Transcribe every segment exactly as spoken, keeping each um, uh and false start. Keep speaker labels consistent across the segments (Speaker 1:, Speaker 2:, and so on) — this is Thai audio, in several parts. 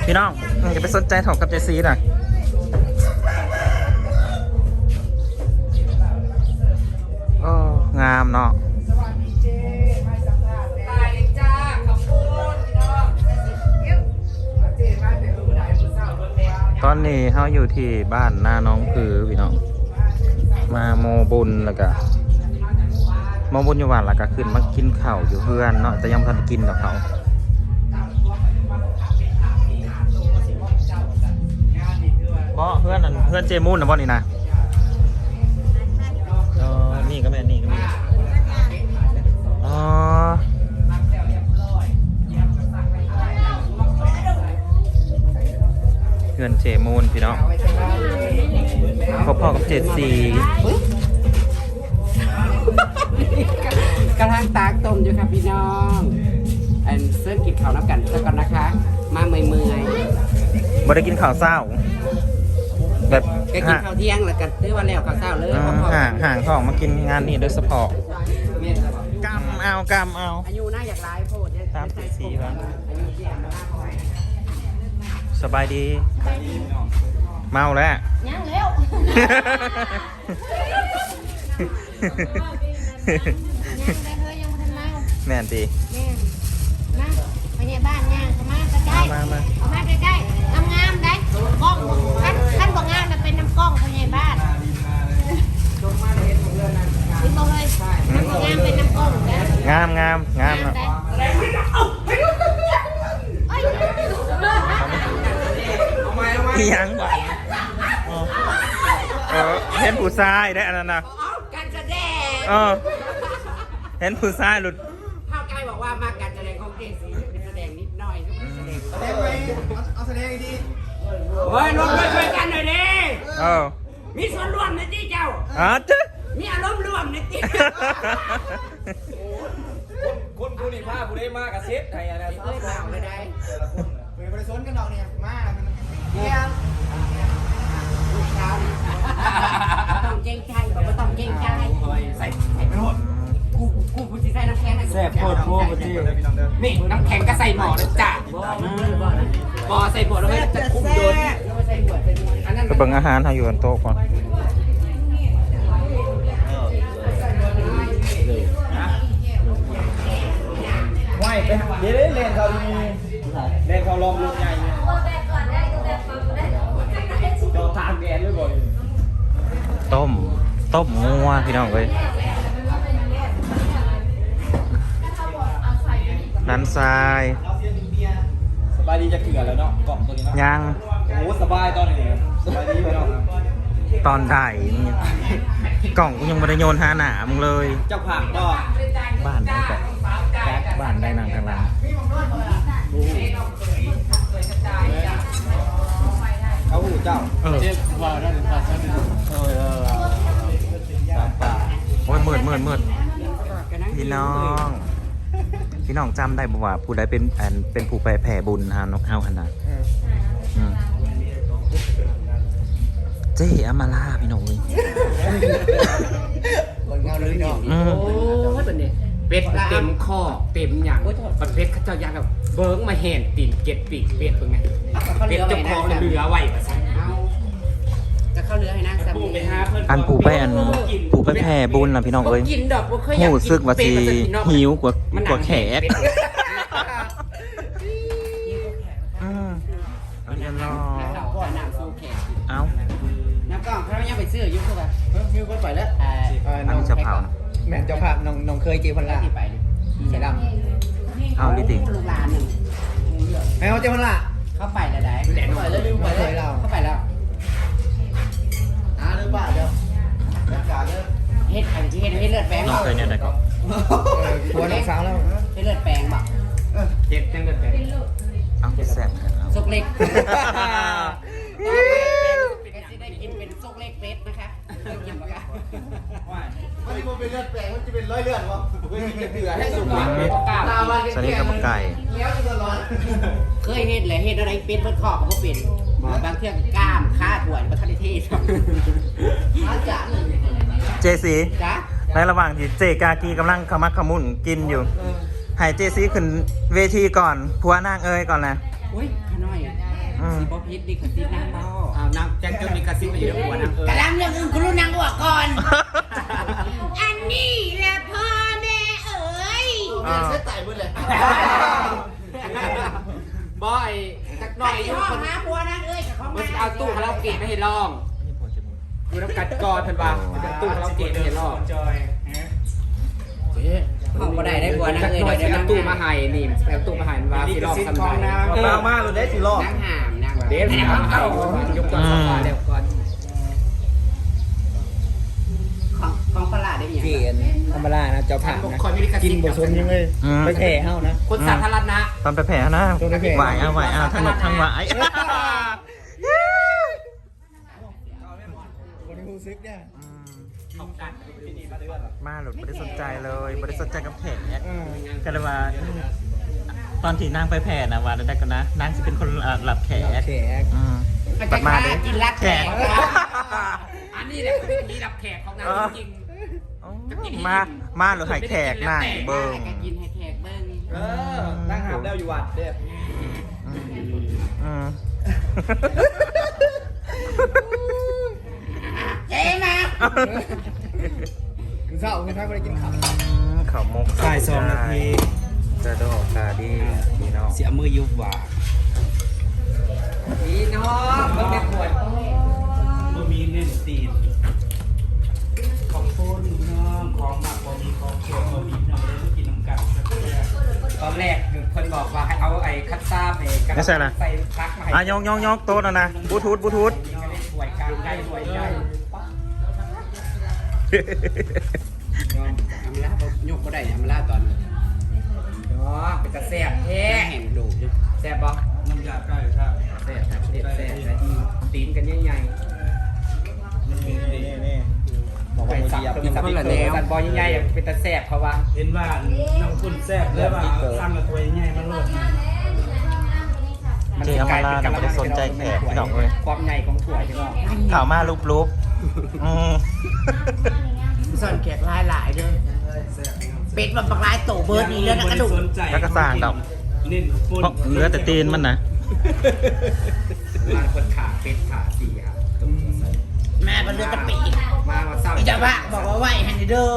Speaker 1: พี่น้องอย่าไปสนใจถกกับเจซีน่ะโอ้งามเนาะตอนนี้เขาอยู่ที่บ้านหน้าน้องคือพี่น้องมาโมบุญแล้วก็โมบุญอยู่วันแล้วก็ขึ้นมากินข้าวอยู่เพื่อนเนาะแต่ยังไม่ทันกินกับเขาเพราะเพื่อนนั่นเพื่อนเจมูนนะบ่นี่นะอ๋อนี่ก็แม่นี่ก็แม่อ๋อเพื่อนเจมูนพี่น้องพ่อๆกับเจ็ดสี่
Speaker 2: กระทั่งตากต้มอยู่ครับพี่น้องอันเสื้อกินข้าวน้ำกันสักก่อนนะคะมาเมื่อยเมื่อย
Speaker 1: บ่ได้กินข้าวเศร้าแบบ
Speaker 2: ก็กินข้าวเที่ยงแล้วกันซื้อวันแล้วข้าวเช้าเลย
Speaker 1: ห่างห่างท้องมากินงานนี้โดยเฉพาะกำเอากำเอา
Speaker 2: อายุน่าอยากร้ายโพด
Speaker 1: สามสิบสี่แล้วสบายดีเมาแล้ว
Speaker 3: ยังเร็ว
Speaker 1: แม่นตี
Speaker 3: มาไปเนี่ยบ้านย่างมาใกล้ๆเอามาใกล้ๆงามๆได้กล้องท่านท่านบอกงามมันเป็นน้ำกล้องไปเนี่ยบ้านนี่บอกเลยน้ำบอกงามเป็นน้ำกล้องนะ
Speaker 1: งามงามงามเนาะพี่ยังบ่เออเห็นผู้ชายได้อันนั้นนะ
Speaker 2: การแสดง
Speaker 1: เออเห็นผู้ชายหลุด
Speaker 2: ข้าวไก่บอกว่ามาการแสดงของเจสีเป็นแสดงนิดหน่อยแสดงแสดงไปเอาแสดงดีเฮ้ยร่วมด้วยช่วยกันหน่อยดิ
Speaker 1: เออ
Speaker 2: มีส่วนร่วมในที่เจ้า
Speaker 1: อ๋อจ๊ะ
Speaker 2: มีอารมณ์ร่วมในที่
Speaker 4: คนผู้นี้ผ้าผู้ได้มากกับเซฟไทยอะไร
Speaker 2: เอ้ยเปล่าไม่ได้
Speaker 4: เวลาไปซ้นกันดอกเนี่ยมาก
Speaker 2: เนี่ยลูกสาวต้องเก่งใจบอกว่าต้องเก่งใจใส่ใส่ไปหมดกูกูกูจะใส่น้ำแข็ง
Speaker 4: แซ่บโคตรโคตรจี
Speaker 2: นี่น้ำแข็งก็ใส่หม้อเลยจ้ะบ่อใส่หม้อแล้วไม่จะคุ้มโดน
Speaker 1: กระเบื้องอาหารเขาอยู่บนโต๊ะก่อน
Speaker 4: ไหวไปเดี๋ยวเล่นเขามีเล่นเขาลองลูกใหญ่จอทางแกนด้วยบ่อย
Speaker 1: ต้มต้มงัวพี่น้องเลยน้ำทราย
Speaker 4: สบายดีจะเกลือแล้วเนาะกล่องตัวนี้นะ
Speaker 1: ยัง
Speaker 4: โอ้สบายตอนนี้สบายดีไปเนาะ
Speaker 1: ตอนถ่ายกล่องกูยังไม่ได้โยนหาหนามึงเลย
Speaker 4: เจ้าผักก็
Speaker 1: บ้านได้ก่อนบ้านได้นางกลาง
Speaker 4: เขาหูเจ้า
Speaker 1: เออว่าได้ภาษาเออเออสามป่าโอ้ยมืดมืดมืดพี่น้องพี่น้องจำได้บ่ว่าผู้ใดเป็นอันเป็นผู้ไปแผ่บุญฮานกเฮาขนาดเจ๊อมาลาพี่น้องเลย
Speaker 4: คนเงาเลยเนาะ
Speaker 2: โอ้ยเป็นเนี่ยเป็ดเต็มข้อเต็มอย่างประเภทเขาเจ้าอยางกับเบิ้งมาเห็นตีนเก็ดปีกเป็ดเป็นไงเป็ดจะคล้องเรือไหวประสันจะเข้าเรือให้นางสามี
Speaker 1: อันผู้ไปอันผู้ไปแผ่บุญนะพี่น้องเอ้ยหูซึกว่าสีหิวกว่ากว่าแขกอืมเอาเดี๋ยวรอ
Speaker 2: น้ำสู้แขก
Speaker 1: เอา
Speaker 2: น้ำกล้องเขายังไปซื้อยุ่งเข้าไปยุ่งก็ปล่อยแล้ว
Speaker 1: อันนี้จะเผา
Speaker 4: แม่เจ้าภาพน้องน้องเคยเจพันละใช่ด
Speaker 1: ำเอาดิติ
Speaker 2: ลูกหลานหนึ่ง
Speaker 4: แม่เจ้าพันละ
Speaker 2: เข้าไปแล้วได้แหลมไปแล้วลืมไปแล้วเข้าไปแล้ว
Speaker 4: อ่าลืมป่ะเดี๋ยว
Speaker 2: เฮ็ดอันที่เฮ็ดเฮ็ดเลือดแปลง
Speaker 1: น้องเคยเนี่ยไหนก็
Speaker 4: หัวน้องสาวแล้ว
Speaker 2: เฮ็ดเลือดแปลงบ่
Speaker 4: เจ็บจังเลือดแปลง
Speaker 1: เอาแซ่บ
Speaker 2: ซุกเล็กได้กินเป็นซุกเล็กเป็ดนะคะกินปะคะ
Speaker 4: มันจะเป็นเลือดแปลงมันจะเป็นร้อยเลือดวะเพื่อจะเดือดให้สุกเป็ด
Speaker 1: สนิทกับไก่
Speaker 2: เคยเฮ็ดเลยเฮ็ดอะไรเป็ดเพิ่นขอบก็เป็นบางเที่ยงกล้ามค่าถ่วยประทันเทศอาจารย์
Speaker 1: เจซีในระหว่างที่เจกากีกำลังขมักขมุนกินอยู่ให้เจซีขึ้นเวทีก่อนผัวนางเอ๋ยก่อนนะ
Speaker 2: อุ้ยขน้อย
Speaker 1: อืม
Speaker 2: สิบ่พิษนี่กระซิบนางบ่อ้าวนางแจ็คจนมีกระซิบมาอยู่ในหัวนางเออก
Speaker 3: ระลำเรื่องอื่นคุณรู้นางบอกก่อน อันนี้แหละพ่อแม่เอ๋ย
Speaker 4: เรียนเส้นไต่หมดเลย
Speaker 2: บ่ไอ้จักหน่อยอยู่
Speaker 3: พ่อ
Speaker 2: คน
Speaker 3: หาผัวนางเอ้ยกับของ
Speaker 2: มันเอาตู้คาราโอเกะไม่เห็นลองดูน้ำกัดกอดเพิ่นว่ามันจะตู้คาราโอเกะไม่เห็นลอง
Speaker 5: ห้องบ่ได้ได้บัวนาง
Speaker 2: จัก
Speaker 5: เอ้ย
Speaker 2: หน่อย
Speaker 5: เดี๋
Speaker 2: สิ
Speaker 5: ยว
Speaker 2: เอา
Speaker 5: นาง
Speaker 2: ตู้มาให้นี่เอาตู้มาให้มันว่าสิลองทำได้
Speaker 4: เบามากเลยได้สิรอบ
Speaker 5: นางหามนาง
Speaker 2: เดี๋ยวสิเอายกตัวสฟาเดี๋ยวก่อน
Speaker 5: ของของปลาได้ยัง
Speaker 6: เกณฑ์ธรรมดานะเจ้าผ่าน
Speaker 2: บุค
Speaker 6: นะ
Speaker 2: คลมีลิข
Speaker 6: กิ
Speaker 2: สิ
Speaker 6: น
Speaker 2: ทธิ์
Speaker 6: บ่สนยังเลย
Speaker 1: อืม
Speaker 6: ไปแผ่เฮานะ
Speaker 2: คนสาธารณะ
Speaker 1: ตอนไปแผ่นะ
Speaker 6: ตอนไปแผ่
Speaker 1: ไหวเอาไหวเอาทั้งหมดทั้งไหว
Speaker 6: คนที่รู้สึกเนี่ย
Speaker 1: อืมมาหลุดไม่ได้สนใจเลยไม่ได้สนใจกับแขกเนี่ยก็เลยว่าตอนที่นางไปแผ่นะว่าได้กันนะนางจะเป็นคนหลับแขก
Speaker 6: แขก
Speaker 1: อืมบัดมาเด้
Speaker 3: กินรัก
Speaker 1: แข
Speaker 3: แข
Speaker 1: ก
Speaker 3: ก
Speaker 2: อันนี้แหละคือมีรับแขกของนางจริง
Speaker 1: มา มาหรือให้แขกนั่งเบิ้ง
Speaker 5: กินให้แขกเบิ่ง
Speaker 4: เออนั่งหามแล้วอยู่วัดเด้อ
Speaker 1: อืม
Speaker 3: เจ๊มา
Speaker 6: คือเศร้าคือถ้าไม่ได้กินข้าว
Speaker 1: อืมเขามก
Speaker 6: บ่ายสองนาที
Speaker 1: จะดอกกาดีพี่น้อง
Speaker 6: เสียมือยุบว่า
Speaker 5: พี่น้องเบิ่งแม่ปวด
Speaker 6: บ่มีเน้นตีนของคนน้องของหมักบ่มีของเคี่ยวบ่มีน้องเลยมากินน้ำกันสักแก้ว
Speaker 2: ตอนแรกคนบอกว่าให้เอาไอ้คัตซ่าไปใส่ปลั๊กมาให้
Speaker 1: อ่ะยองยองยองโต๊ะนะนะบลูทูธบลูทูธ
Speaker 2: ก็เลยสวยกลางได้สวยได้
Speaker 5: อำลาบ่ยกบ่ได้อำลาตอน
Speaker 2: อ๋อเป็นกระแสบแท้
Speaker 5: แห้งดูอยู่
Speaker 2: แสบบ่
Speaker 6: น้ำยาใกล้ค่ะ
Speaker 2: แสบครับเด็ดแสบเลยตีนกันใหญ่
Speaker 6: นี่นี่
Speaker 2: ๆบอกไปสับเป็นสับเป็นสันบอลใหญ่ๆเป็นตะแสบเขาว่า
Speaker 6: เห็นว่าน้ำคุณแซ่บเลยว่าตั้งกับตัวใหญ่มาโลด
Speaker 1: เจอามาลาน่ะไม่ได้สนใจแขกพี่น้องเลย
Speaker 2: ความใหญ่ของถั่วใช่ไหม
Speaker 1: ข่าวมาลุบลุบอืม
Speaker 3: ส่วนแขกหลายหลายๆเด้อเป็ดมันปลากหลายโตเบิร์ดนี่เรื่องกระดูก
Speaker 1: แล้วก็สร้างดอก
Speaker 6: เน้นปน
Speaker 1: เพราะเหลือแต่ตีนมันนะ
Speaker 2: มาคนขาเป็ดขาสีครับ
Speaker 3: แม่มันเลือดตะปีก
Speaker 2: มามาเศร้า
Speaker 3: พี่จะว่าบอกว่าไหวฮันนี่เด้อ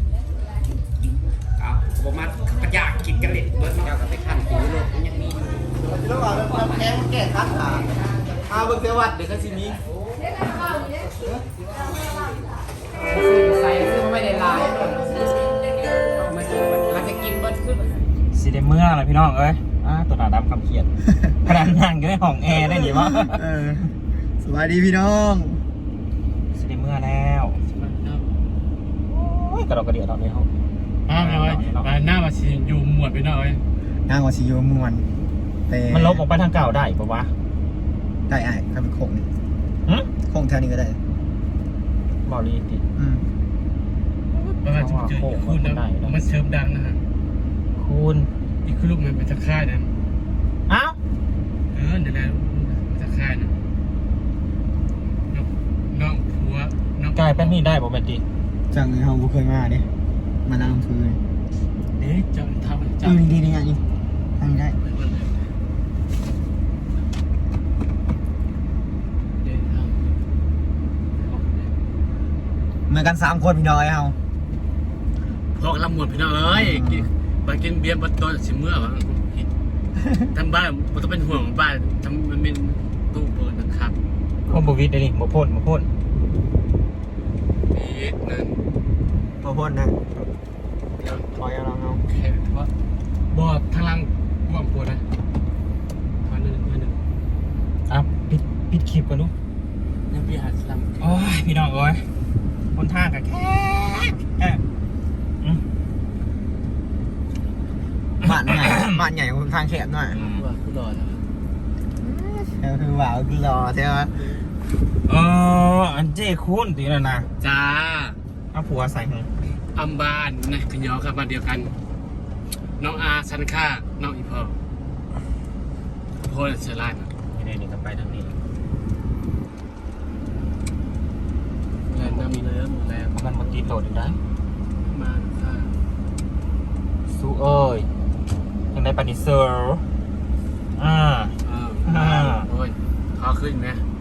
Speaker 2: เอาผมมาขยากกินกันเลยเบิร์ดมาเอากับไปขั้นหูโลกมันยังมีอยู่
Speaker 4: แล้วก็น้ำแข็งแก่ทักขาเอาเบิ่งเทวัดเดี๋ยวก็สิมี
Speaker 2: ใส่ซึ่งไม่ได้ลายมันจะมันจะกินเบิร์ดขึ้น
Speaker 1: สีเดเมื่ออะไรพี่น้องเอ้ยอ่าตัวหนาดำคำเขียนขนาดนั่งอยู่ในห้องแอร์ได้หรือวะ
Speaker 6: เออสวัสดีพี่น้อง
Speaker 1: สีเดเมื่อแล้วโอ้ยกระดอกกระเดียดตอนนี้เขา
Speaker 7: อ้าวเลยหน้ามาสิอยู่หมวดไปหน่อย
Speaker 6: นางว่าสิโยมวนแต่
Speaker 1: มันลบออกไปทางเก่าได้ปะวะ
Speaker 6: ได้ไอ้ถ้าเป็นโค้งนี่
Speaker 1: หึ
Speaker 6: โค้งแถวนี้ก็ได้
Speaker 1: บอลีติ
Speaker 6: อืม
Speaker 7: ประมาณจะเจออีกคู่นะมันเชิมดังนะฮะ
Speaker 1: คูณ
Speaker 7: อีกคู่ลูกมันเป็นตะค่ายนะ
Speaker 1: อ้าว
Speaker 7: เออเดี๋ยวแล้วตะค่ายนะน้องผัวน้อง
Speaker 1: กลายเป็นนี่ได้ป่ะแมนตี
Speaker 6: จังเฮาบ่เคยมาเด้มานั่งคือ
Speaker 7: เอ๊ะจะทำ
Speaker 6: อื
Speaker 7: จะ
Speaker 6: มดีๆนี่นี่ทางนี้ได้
Speaker 7: เดินทาง
Speaker 6: เหมือนกันสามคนพี่น้อยเฮา
Speaker 7: พอกลำหมวดพี่น้องเอ้ยไปกินเบียร์บัตรตัวสิเมื่อวะทำบ้านมันต้องเป็นห่วงบ้านทำมันเป็นตู้เปิดนะครับ
Speaker 1: โอ้บวิดเลยนี่โมพ่นโมพ่น
Speaker 7: นี่นั่น
Speaker 6: บ่พ้นนะถอยเอาเราเฮา
Speaker 7: แค่เพราะบอดทางล่างกว้างปวดนะมาหนึ่งมาหนึ่ง
Speaker 1: อ่ะปิดปิดคลิปกันดู
Speaker 7: ยังพี่หาสลัม
Speaker 1: โอ้ยพี่น้องเอ้ยคนทางกันแค่แค่อืม
Speaker 6: บ้านใหญ่ บ้านใหญ่คนทางแคบหน่อย
Speaker 7: ว่าคือรอนะ
Speaker 6: เออคือว่าคือรอใช่ไหม
Speaker 1: เอออันเจ้คุณตีแล้วนะ
Speaker 7: จ้า
Speaker 1: เอาผัวใส่ให้
Speaker 7: อัมบานนะขยอครับมาเดียวกัน น้องอาซันค่าน้องอีพอโพลเชลาน
Speaker 1: นี่นี่นี่ก็ไปทางนี้
Speaker 7: แล้วน้ำมีเนื้อหมดแล้ว
Speaker 1: มันมาตีโตดอีกได้
Speaker 7: มาค่ะ
Speaker 1: สู้เอ้ยยังได้ปานิเซอร์อ่า
Speaker 7: เออ
Speaker 1: อ่า
Speaker 7: โอ้ยขึ้นไหม